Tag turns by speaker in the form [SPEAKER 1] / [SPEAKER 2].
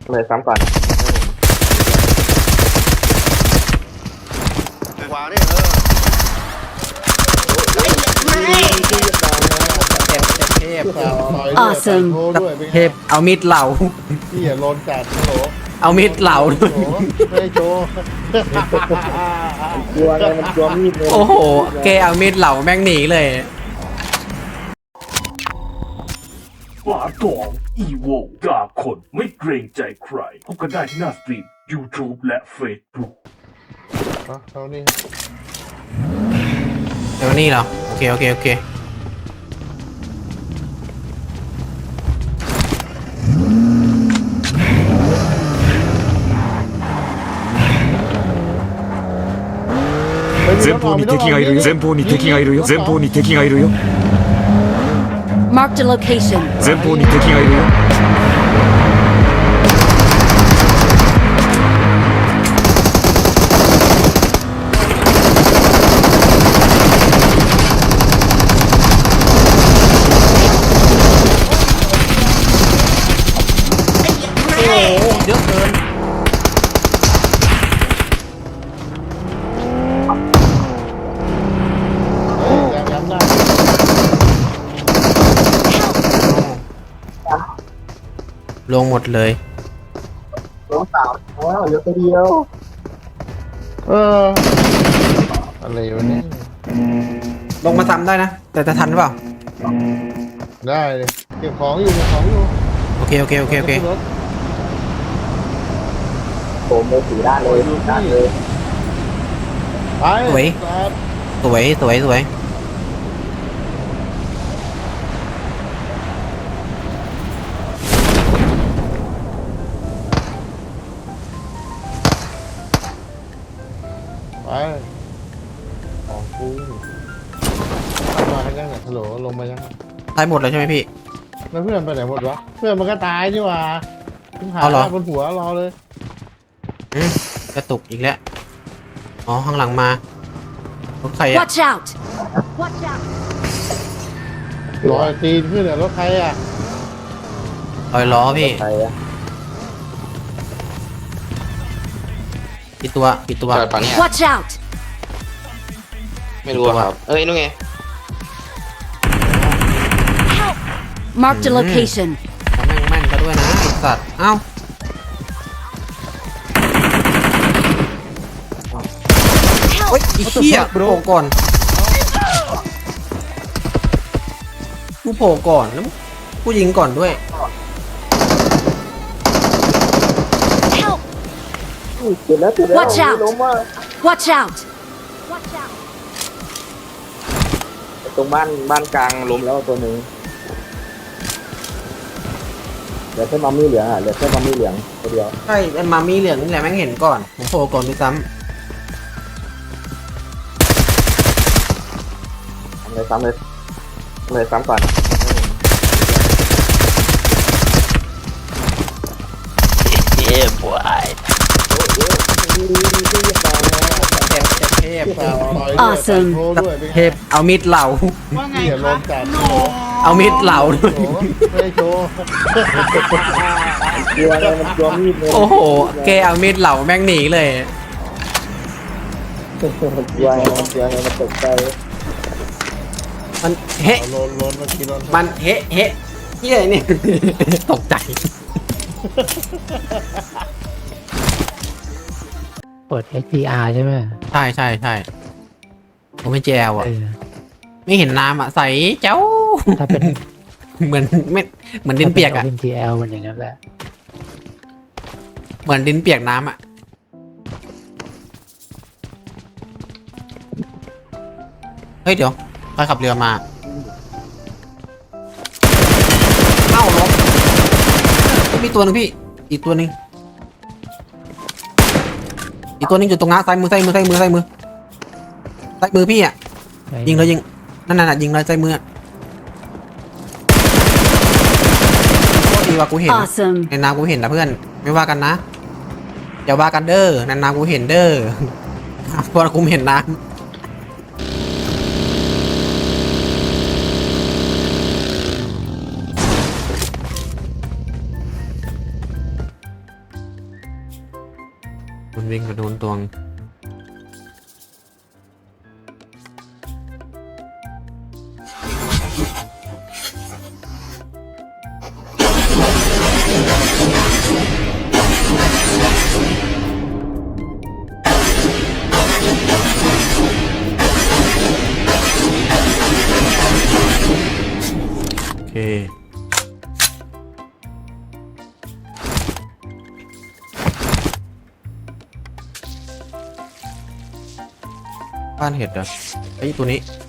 [SPEAKER 1] เลยซ้ำก่อน
[SPEAKER 2] ขวาเนี่ย
[SPEAKER 3] Awesome
[SPEAKER 4] เทพเอามิดเหล่า
[SPEAKER 2] พี่อย่าโลนจัดฮัลโหล
[SPEAKER 4] เอามิดเหล่าด้วย
[SPEAKER 2] ไม่ได้โชว์
[SPEAKER 1] กลัวไงมันกลัวมีดเลย
[SPEAKER 4] โอ้โหแกเอามิดเหล่าแม่งหนีเลย
[SPEAKER 5] ฝาตองอีโวกาคนไม่เกรงใจใครพบกันได้ที่หน้าสตรีม YouTube และ Facebook
[SPEAKER 2] เท่านี้
[SPEAKER 4] เดี๋ยวนี่เหรอโอเค
[SPEAKER 5] 前方に敵がいるよ前方に敵がいるよ前方に敵がいるよ
[SPEAKER 3] Marked a location.
[SPEAKER 5] 前方に敵がいるよ
[SPEAKER 4] เยอะเกิน
[SPEAKER 2] ย้ำได้
[SPEAKER 4] ลงหมดเลย
[SPEAKER 1] น้องสาวว้าวเหลือตัวเดียว
[SPEAKER 2] อะไรวะเนี่ย
[SPEAKER 4] ลงมาซ้ำได้นะ แต่จะทันหรือเปล่า
[SPEAKER 2] ได้เลยเก็บของอยู่
[SPEAKER 4] โอเค
[SPEAKER 2] รถ
[SPEAKER 1] ผมเลยสีด้านเลยด้านเลย
[SPEAKER 2] ไป
[SPEAKER 4] สวย
[SPEAKER 2] ไปของกูมาให้ยังเนี่ยฮัลโหลลงมายัง
[SPEAKER 4] ตายหมดเลยใช่ไหมพี่
[SPEAKER 2] แล้วเพื่อนไปไหนหมดวะเพื่อนมันก็ตายนี่หว่าทิ้งหา
[SPEAKER 4] เอาเหรอ
[SPEAKER 2] บนหัวรอเลย
[SPEAKER 4] กระตุกอีกแล้ว อ๋อ ข้างหลังมารถใครอะ
[SPEAKER 3] Watch out! Watch out!
[SPEAKER 2] รอยตีนขึ้นเนี่ยรถใครอ่ะ
[SPEAKER 4] ลอยล้อพี่
[SPEAKER 1] ใครอะ
[SPEAKER 4] กี่ตัว
[SPEAKER 6] จอดฝั่งเนี้ย
[SPEAKER 3] Watch out!
[SPEAKER 6] ไม่รู้อะครับ เอ้ยนู่นไง
[SPEAKER 3] Marked a location.
[SPEAKER 4] แม่งแม่นก็ด้วยนะไอ้สัตว์ เอ้า โอ๊ยอีเหี้ยโผล่ก่อนกูโผล่ก่อนแล้วกูยิงก่อนด้วย
[SPEAKER 3] Help!
[SPEAKER 1] เจ็บแล้ว
[SPEAKER 3] Watch out
[SPEAKER 1] ล้มว่า
[SPEAKER 3] Watch out! Watch out!
[SPEAKER 1] ตรงบ้านกลางล้มแล้วตัวหนึ่งเหลือแค่มัมมี่เหลืองอ่ะเหลือแค่มัมมี่เหลืองตัวเดียว
[SPEAKER 4] ใช่ไอ้มามีเหลืองนี่แหละแม่งเห็นก่อน ผมโผล่ก่อนด้วยซ้
[SPEAKER 1] ซ้ำเลยซ้ำก่อน
[SPEAKER 6] เย้บวย
[SPEAKER 4] ำเทพ
[SPEAKER 3] Awesome
[SPEAKER 2] โชว์ด้วยเป็นไง
[SPEAKER 4] เทพเอามิดเหล่า
[SPEAKER 2] พี่อย่าโลนจัด
[SPEAKER 4] เอามิดเหล่าด้ว
[SPEAKER 2] โอ้
[SPEAKER 4] ย
[SPEAKER 2] โหไม่ได้โชว์
[SPEAKER 1] กลัวไงมันกลัวมีดเลย
[SPEAKER 4] โอ้โหแกเอามิดเหล่าแม่งหนีเลย
[SPEAKER 1] มันกลัวไงมันตกใจ
[SPEAKER 4] มันเฮะ
[SPEAKER 2] เอาโลนมากินโลน
[SPEAKER 4] มันเฮะเฮียนี่ ตกใจ
[SPEAKER 7] เปิด HDR ใช่ไหม
[SPEAKER 4] ใช่ผมเป็นแจวอ่ะ
[SPEAKER 7] เออ
[SPEAKER 4] ไม่เห็นน้ำอ่ะใสเจ้า
[SPEAKER 7] ถ้าเป็น
[SPEAKER 4] เหมือนไม่เหมือนดินเปียกอ่ะ
[SPEAKER 7] WinTL มันอย่างนั้นแหละ
[SPEAKER 4] เหมือนดินเปียกน้ำอ่ะ เฮ้ยเดี๋ยวใครขับเรือมา เอ้าล้มมีตัวหนึงพี่ อีกตัวหนึงอยู่ตรงน้าซ้ายมือพี่อ่ะ ยิงเลยยิงนั่นน่ะยิงเลยซ้ายมือโคตรดีว่ะกูเห็น
[SPEAKER 3] Awesome.
[SPEAKER 4] ในน้ำกูเห็นนะเพื่อนไม่ว่ากันนะอย่าว่ากันเด้อในน้ำกูเห็นเด้อเพราะกูเห็นน้ำมันวิ่งไปโดนตวงโอเคบ้านเห็ดเหรอไอ้ยตัวนี้